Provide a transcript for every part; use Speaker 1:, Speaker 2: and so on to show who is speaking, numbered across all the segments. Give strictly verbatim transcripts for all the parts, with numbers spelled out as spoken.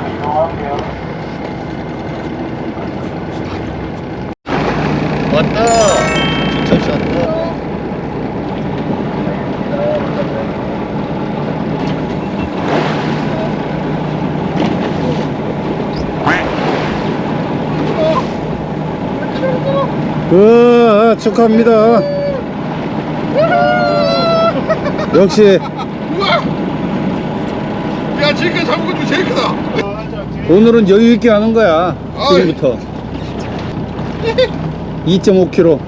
Speaker 1: 왔다. 주차시 왔다. 으아, 축하합니다. 역시
Speaker 2: 야, 지금까지 잡은 것 중에 제일 크다.
Speaker 1: 오늘은 여유 있게 하는 거야. 지금부터 이 점 오 킬로그램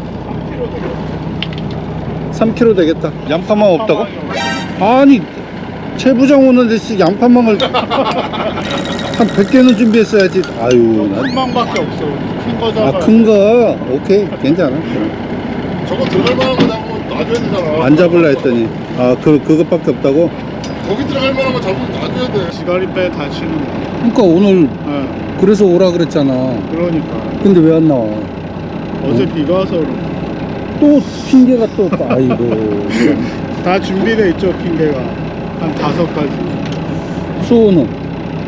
Speaker 1: 삼 킬로그램 되겠다. 양파망 없다고? 아니 최 부장 오는데 양파망을 한 백 개는 준비했어야지. 아유, 난...
Speaker 2: 한 방밖에 없어. 큰 거잖아.
Speaker 1: 아, 큰 거? 오케이, 괜찮아.
Speaker 2: 저거 들어갈 만한 거 잡으면 놔줘야 되잖아.
Speaker 1: 안 잡을라 했더니 아, 그, 그것밖에 없다고?
Speaker 2: 거기 들어갈 만한 거 잡으면 놔줘야 돼. 지가리배 다치는 거.
Speaker 1: 그러니까 오늘
Speaker 2: 네.
Speaker 1: 그래서 오라 그랬잖아.
Speaker 2: 그러니까.
Speaker 1: 근데 왜 안 나와?
Speaker 2: 어제
Speaker 1: 어?
Speaker 2: 비가 와서 그런
Speaker 1: 또 핑계가 또 아이고.
Speaker 2: 다 준비돼 있죠, 핑계가. 한 다섯 가지.
Speaker 1: 수온은?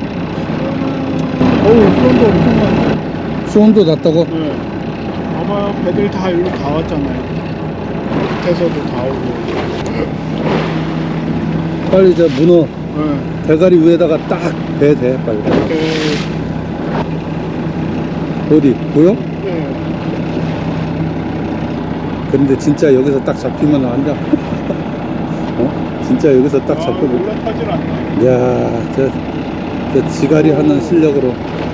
Speaker 2: 어우, 수온도 엄청 많네.
Speaker 1: 수온도 낮다고?
Speaker 2: 네. 봐봐요, 배들 다 일로 다 왔잖아요. 밑에서도 다 오고.
Speaker 1: 빨리 저 문어
Speaker 2: 네.
Speaker 1: 대가리 위에다가 딱 배 대 빨리.
Speaker 2: 이렇게.
Speaker 1: 어디 보여?
Speaker 2: 네.
Speaker 1: 근데 진짜 여기서 딱 잡히면 안다. 어? 진짜 여기서 딱
Speaker 2: 아,
Speaker 1: 잡혀보.
Speaker 2: 올라타질 않네.
Speaker 1: 야, 저, 저 지가리 하는 실력으로.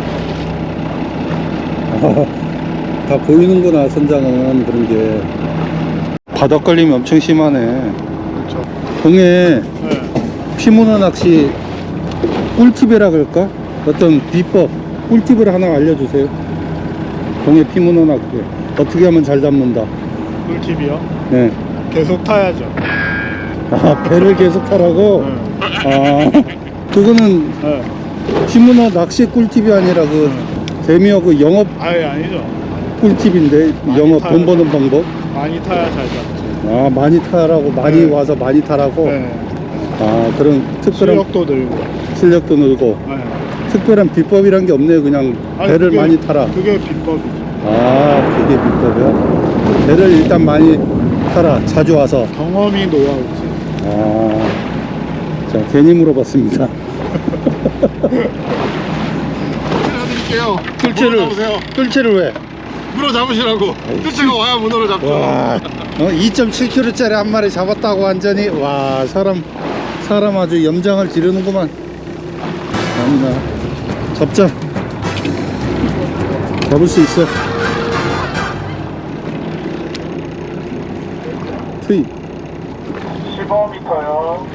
Speaker 1: 아, 다 보이는구나, 선장은. 그런 게. 바닥 걸림이 엄청 심하네.
Speaker 2: 그렇죠.
Speaker 1: 동해
Speaker 2: 네.
Speaker 1: 피문어 낚시 꿀팁이라 그럴까? 어떤 비법, 꿀팁을 하나 알려주세요. 동해 피문어 낚시 어떻게 하면 잘 잡는다.
Speaker 2: 꿀팁이요?
Speaker 1: 네.
Speaker 2: 계속 타야죠.
Speaker 1: 아, 배를 계속 타라고?
Speaker 2: 네.
Speaker 1: 아, 그거는
Speaker 2: 네.
Speaker 1: 피문어 낚시 꿀팁이 아니라 그 재미어 그 영업
Speaker 2: 아예 아니죠.
Speaker 1: 꿀팁인데,
Speaker 2: 많이
Speaker 1: 영업
Speaker 2: 타야
Speaker 1: 돈 버는 방법.
Speaker 2: 많이 타야 잘 잡지.
Speaker 1: 아, 많이 타라고, 많이
Speaker 2: 네.
Speaker 1: 와서 많이 타라고.
Speaker 2: 네.
Speaker 1: 아, 그런 특별한
Speaker 2: 실력도 늘고.
Speaker 1: 실력도 늘고.
Speaker 2: 네.
Speaker 1: 특별한 비법이란 게 없네요. 그냥
Speaker 2: 아니,
Speaker 1: 배를
Speaker 2: 그게-
Speaker 1: 많이 타라.
Speaker 2: 그게 비법이죠.
Speaker 1: 아, 그게 비법이야? 배를 일단 많이 타라. 자주 와서.
Speaker 2: 경험이 노하우지.
Speaker 1: 아, 자, 괜히 물어봤습니다.
Speaker 2: 드릴게요.
Speaker 1: 뜰채를,
Speaker 2: 잡으세요.
Speaker 1: 뜰채를 왜?
Speaker 2: 문어 잡으시라고. 뜰채가 와야 문어를 잡죠.
Speaker 1: 와, 어, 이 점 칠 킬로그램짜리 한 마리 잡았다고 완전히. 와, 사람, 사람 아주 염장을 지르는구만. 갑니다. 잡자. 잡을 수 있어. 트이.
Speaker 2: 십오 미터요.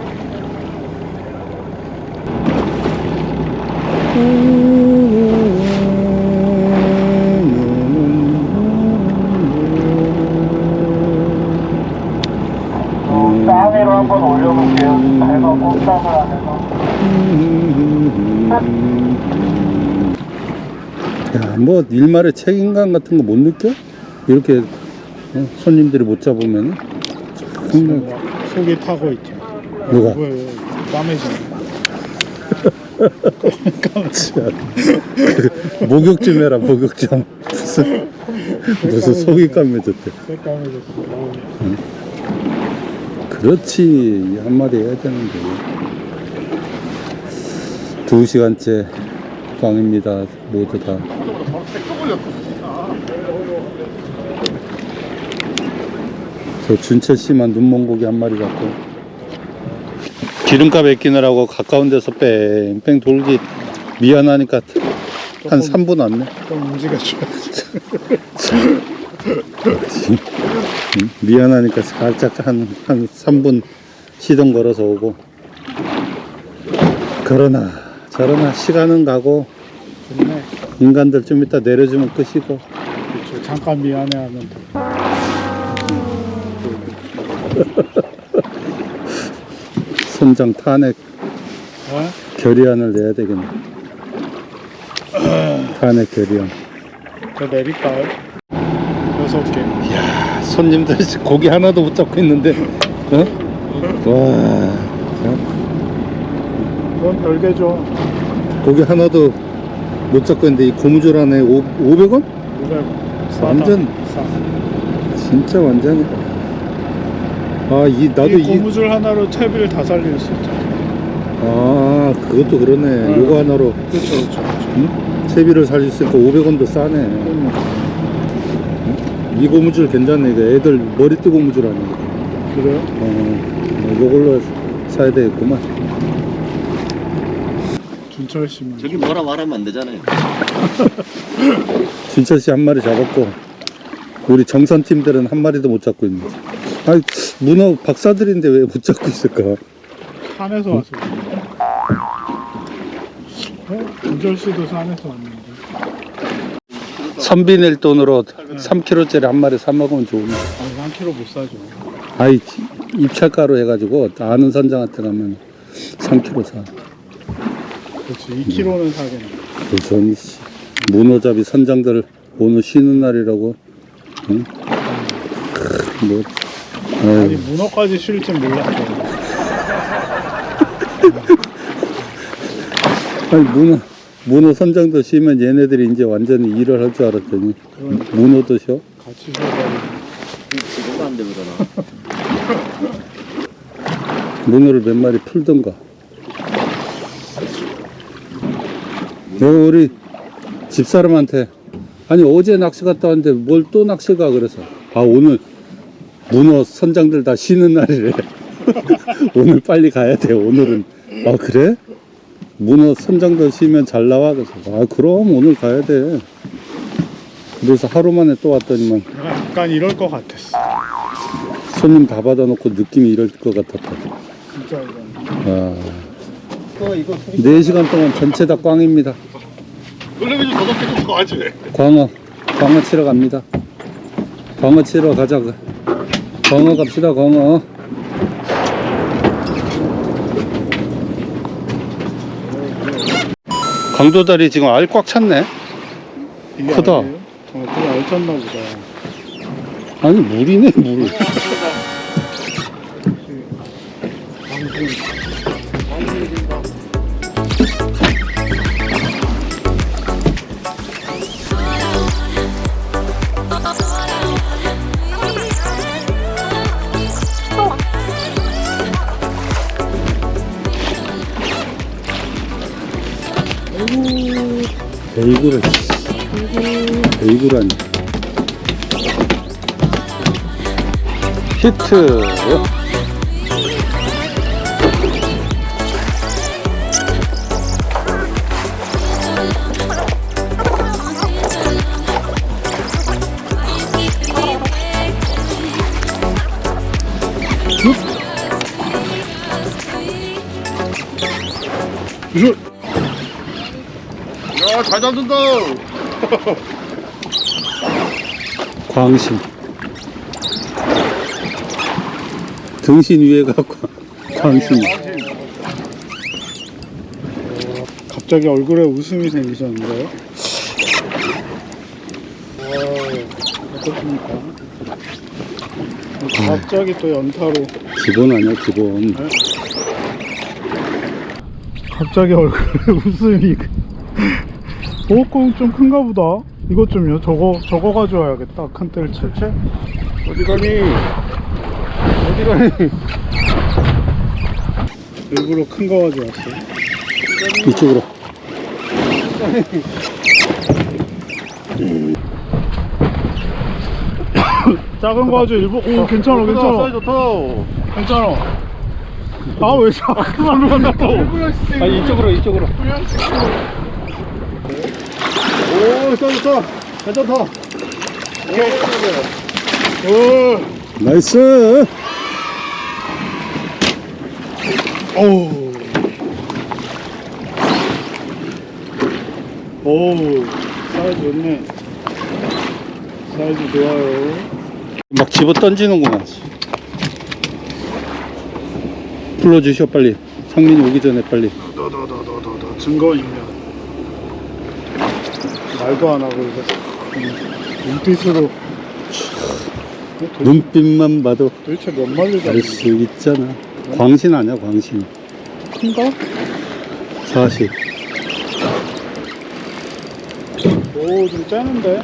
Speaker 3: 땅위로 한번 올려볼게요. 배가 꼼짝을 안 해서.
Speaker 1: 야, 뭐 일말의 책임감 같은 거 못 느껴? 이렇게 어, 손님들이 못 잡으면 정말.
Speaker 2: 속이 타고 있죠.
Speaker 1: 누가?
Speaker 2: 왜, 왜, 까매지네.
Speaker 1: 참, 그, 목욕 좀 해라. 목욕 좀. 무슨 무슨 속이 까매졌대.
Speaker 2: 색 까매졌어.
Speaker 1: 응? 그렇지, 한마디 해야 되는데. 두 시간째 꽝입니다. 모두 다. 저 준채 씨만 눈먼 고기 한 마리 갖고 기름값 아끼느라고 가까운 데서 뺑뺑 돌기 미안하니까 한 삼 분 왔네.
Speaker 2: 좀 움직여줘야지.
Speaker 1: 응? 미안하니까 살짝 한, 한 삼 분 시동 걸어서 오고. 그러나 저러나 시간은 가고
Speaker 2: 좋네.
Speaker 1: 인간들 좀 이따 내려주면 끝이고.
Speaker 2: 그렇죠. 잠깐 미안해 하면 돼.
Speaker 1: 선장 탄핵
Speaker 2: 어?
Speaker 1: 결의안을 내야 되겠네. 탄핵 결의안.
Speaker 2: 저 내릴까요? 여섯 개.
Speaker 1: 이야, 손님들 고기 하나도 못 잡고 있는데, 어? 와,
Speaker 2: 그건 별개죠.
Speaker 1: 고기 하나도 못 잡고 있는데 이 고무줄 안에 오, 오백 원?
Speaker 2: 오백 원.
Speaker 1: 완전
Speaker 2: 싸.
Speaker 1: 진짜 완전이다. 아, 이 나도
Speaker 2: 이
Speaker 1: 이
Speaker 2: 고무줄 하나로 채비를 다 살릴 수 있죠.
Speaker 1: 아, 그것도 그러네.
Speaker 2: 응.
Speaker 1: 요거 하나로
Speaker 2: 그렇죠, 그렇죠. 그렇죠.
Speaker 1: 응? 채비를 살릴 수 있고 오백 원도 싸네.
Speaker 2: 음.
Speaker 1: 이 고무줄 괜찮네. 이거 애들 머리띠 고무줄 아니야.
Speaker 2: 그래요?
Speaker 1: 어, 요걸로 사야 되겠구만.
Speaker 2: 준철 씨만.
Speaker 4: 저기 뭐라 말하면 안 되잖아요.
Speaker 1: 진철 씨 한 마리 잡았고 우리 정선 팀들은 한 마리도 못 잡고 있네. 아니, 문어 박사들인데 왜 못 잡고 있을까?
Speaker 2: 산에서 왔어요. 어? 준철 씨도 산에서 왔는데.
Speaker 1: 선비 낼 돈으로 삼 킬로그램짜리 한 마리 사 먹으면 좋은데.
Speaker 2: 아니, 한 킬로 못 사죠.
Speaker 1: 아이, 입찰가로 해가지고 아는 선장한테 가면 삼 킬로그램 사.
Speaker 2: 그렇지, 이 킬로는 사겠네.
Speaker 1: 우선 씨, 문어잡이 선장들 오늘 쉬는 날이라고. 응? 크, 뭐,
Speaker 2: 아니,
Speaker 1: 아유,
Speaker 2: 문어까지 쉴 줄 몰랐죠.
Speaker 1: 아니 문어 문어 선장도 쉬면 얘네들이 이제 완전히 일을 할 줄 알았더니
Speaker 2: 그러니까
Speaker 1: 문어도 쉬어?
Speaker 2: 같이 쉬어가지고.
Speaker 4: 지금 안 되고 그러나.
Speaker 1: 문어를 몇 마리 풀던가. 너 우리 집사람한테 아니 어제 낚시 갔다 왔는데 뭘 또 낚시 가 그래서 아 오늘 문어 선장들 다 쉬는 날이래. 오늘 빨리 가야 돼 오늘은. 아 그래? 문어 선장들 쉬면 잘 나와 그래서 아 그럼 오늘 가야 돼. 그래서 하루 만에 또 왔더니만
Speaker 2: 내가 약간 이럴 것 같았어.
Speaker 1: 손님 다 받아놓고 느낌이 이럴 것 같았다.
Speaker 2: 진짜 이건.
Speaker 1: 아, 네 시간 동안 전체 다 꽝입니다.
Speaker 4: 그러면 좀 더럽게 좀 좋아하지.
Speaker 1: 광어, 광어 치러 갑니다. 광어 치러 가자. 광어 갑시다, 광어. 강도다리 지금 알 꽉 찼네.
Speaker 2: 이게
Speaker 1: 크다.
Speaker 2: 아니에요? 어, 그게 알찼나 보다.
Speaker 1: 아니, 물이네, 물. 베이글을, 베이글 아니. 히트.
Speaker 4: 야, 잘 잡는다.
Speaker 1: 광신. 등신 위에가 광- 광신.
Speaker 2: 갑자기 얼굴에 웃음이 생기셨는데요? 어떻습니까? 갑자기 또 연타로
Speaker 1: 기본 아니야, 기본.
Speaker 2: 갑자기 얼굴에 웃음이 보호공 좀 큰가 보다. 이것 좀요. 저거 저거 가져와야겠다. 큰 뜰 채채.
Speaker 1: 어디 가니? 어디 가니?
Speaker 2: 일부러 큰 거 가져왔어.
Speaker 1: 이쪽으로.
Speaker 2: 작은 거 가져. 일부. 오 괜찮아 괜찮아.
Speaker 4: 사이즈 좋다.
Speaker 2: 괜찮아. 아 왜 자꾸만 간다 또.
Speaker 1: 아니, 이쪽으로, 이쪽으로.
Speaker 4: 오, 사이즈 좋다. 괜찮다.
Speaker 2: 오.
Speaker 1: 나이스!
Speaker 2: 오. 오. 사이즈 좋네. 사이즈 좋아요.
Speaker 1: 막 집어 던지는구만. 불러주셔, 빨리. 상민이 오기 전에 빨리.
Speaker 2: 너너너너너너 증거인멸. 말도 안 하고 이거 눈빛으로. 도대체,
Speaker 1: 눈빛만 봐도
Speaker 2: 도대체 몇 마리
Speaker 1: 알 수 있잖아. 광신 아니야, 광신.
Speaker 2: 큰가?
Speaker 1: 사십.
Speaker 2: 오, 좀 째는데?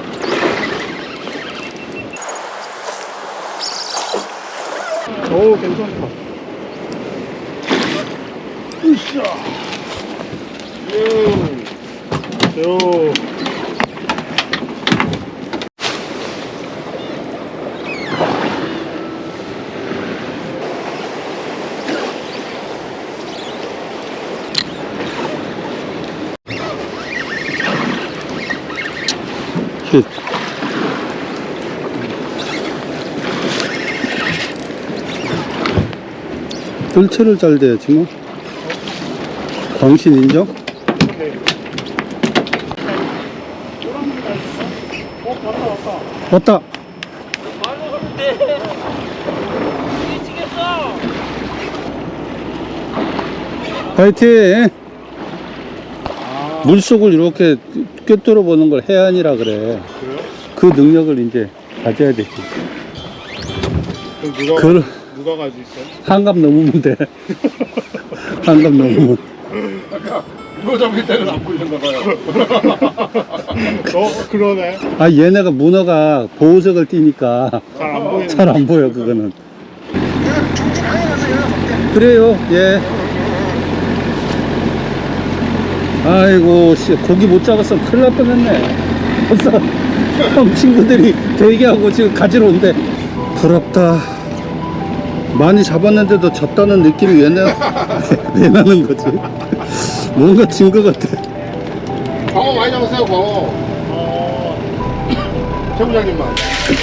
Speaker 2: 오, 괜찮다. 으쌰. 요. 요.
Speaker 1: 힛. 뜰채를 잘 대야지 뭐. 광신 인정?
Speaker 2: 오케이. 호랑이가 있어? 어, 왔다, 왔다.
Speaker 1: 왔다.
Speaker 5: 말로 하면 돼. 미치겠어.
Speaker 1: 화이팅!
Speaker 2: 아,
Speaker 1: 물속을 이렇게 꿰뚫어 보는 걸 해안이라 그래.
Speaker 2: 그래요?
Speaker 1: 그 능력을 이제 가져야 되지.
Speaker 2: 그럼 누가,
Speaker 1: 그걸
Speaker 2: 누가 가지고 있어요?
Speaker 1: 한갑 넘으면 돼. 한갑 넘으면.
Speaker 4: 이거 잡을 때는 안 보이셨나 봐요.
Speaker 2: 어, 그러네.
Speaker 1: 아, 얘네가 문어가 보호색을 띠니까
Speaker 2: 잘 안 보이네.
Speaker 1: 잘 안 보여, 그거는. 그래요, 예. 아이고, 씨, 고기 못 잡았으면 큰일 날 뻔했네. 벌써 형 친구들이 대기하고 지금 가지러 온대. 부럽다. 많이 잡았는데도 졌다는 느낌이 왜, 나, 왜 나는 거지? 뭔가 진 것 같아.
Speaker 4: 광어 많이 잡았어요, 광어.
Speaker 2: 어,
Speaker 4: 최 부장님만.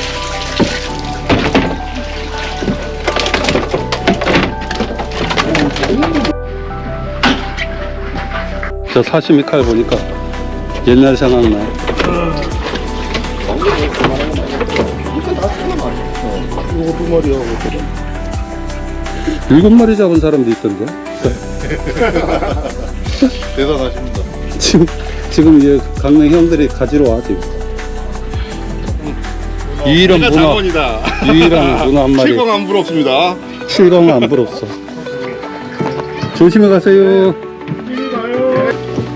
Speaker 1: 저 사시미 칼 보니까 옛날 생각나.
Speaker 4: 이거 두 마리하고.
Speaker 1: 일곱 마리 잡은 사람도 있던데.
Speaker 4: 대단하십니다.
Speaker 1: 지금, 지금 이제 강릉 형들이 가지러 와, 지금. 유일한
Speaker 4: 내가
Speaker 1: 문어,
Speaker 4: 장원이다.
Speaker 1: 유일한 문어 한 마리.
Speaker 4: 칠광 안 부럽습니다.
Speaker 1: 칠광은 안 부럽어. 조심히 가세요.
Speaker 2: 이리 가요.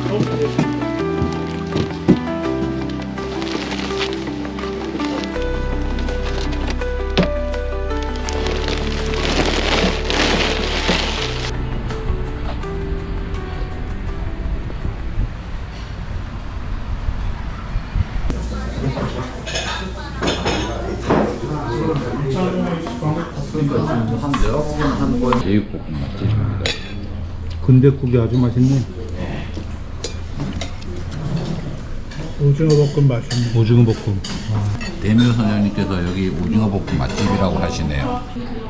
Speaker 6: 제육볶음 맛집입니다.
Speaker 1: 군대국이 아주 맛있네.
Speaker 2: 오징어 볶음 맛있네.
Speaker 1: 오징어 볶음.
Speaker 6: 대묘 선장님께서 여기 오징어 볶음 맛집이라고 하시네요.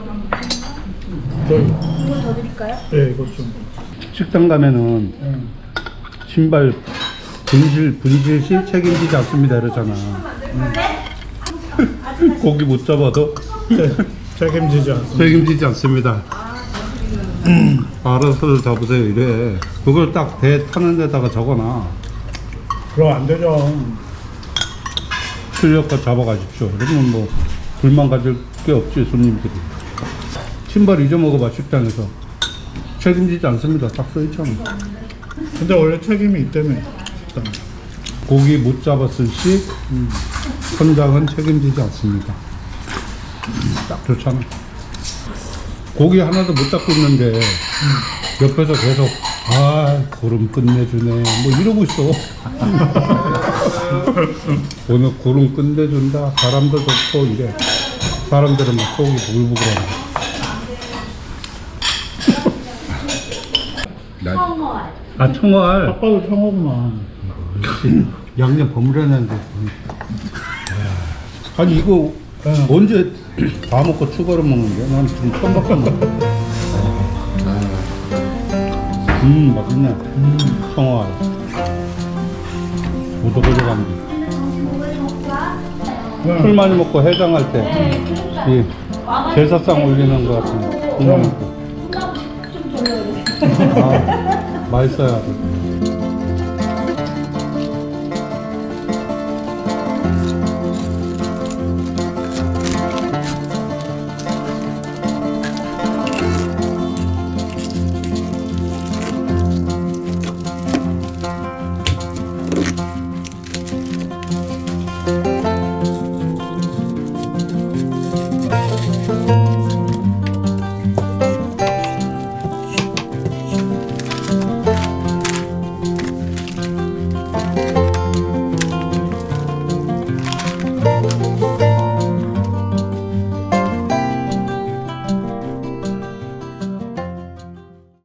Speaker 2: 저희. 이거 더 드릴까요? 네, 이거 좀.
Speaker 1: 식당 가면은
Speaker 2: 응.
Speaker 1: 신발 분실, 분실 시 책임지지 않습니다. 이러잖아. 고기 못 잡아도
Speaker 2: 네, 책임지지 않습니다.
Speaker 1: 책임지지 않습니다. 알아서 잡으세요. 이래. 그걸 딱 배 타는 데다가 적어놔.
Speaker 2: 그럼 안 되죠.
Speaker 1: 출력과 잡아가십시오. 그러면 뭐 불만 가질 게 없지, 손님들이. 신발 잊어먹어봐, 식당에서. 책임지지 않습니다. 딱 써있잖아.
Speaker 2: 근데 원래 책임이 있다며. 일단.
Speaker 1: 고기 못 잡았을 시 음, 선장은 책임지지 않습니다. 딱 좋잖아. 고기 하나도 못 잡고 있는데 옆에서 계속 아 고름 끝내주네 뭐 이러고 있어. 오늘 고름 끝내준다, 바람도 좋고 이래. 사람들은 막 속이 부글부글하네. 아, 청어알.
Speaker 2: 아빠도 청어구나.
Speaker 1: 양념 버무려놨는데. 아니 이거 언제 다 먹고 추가로 먹는데? 난 지금 처음 봤거든. 음 맛있네. 음 청어알. 오독오독한데. 술 많이 먹고 해장할 때 이 제사상 올리는 거 같은 국물 먹고. 아 맛있어요. 아주.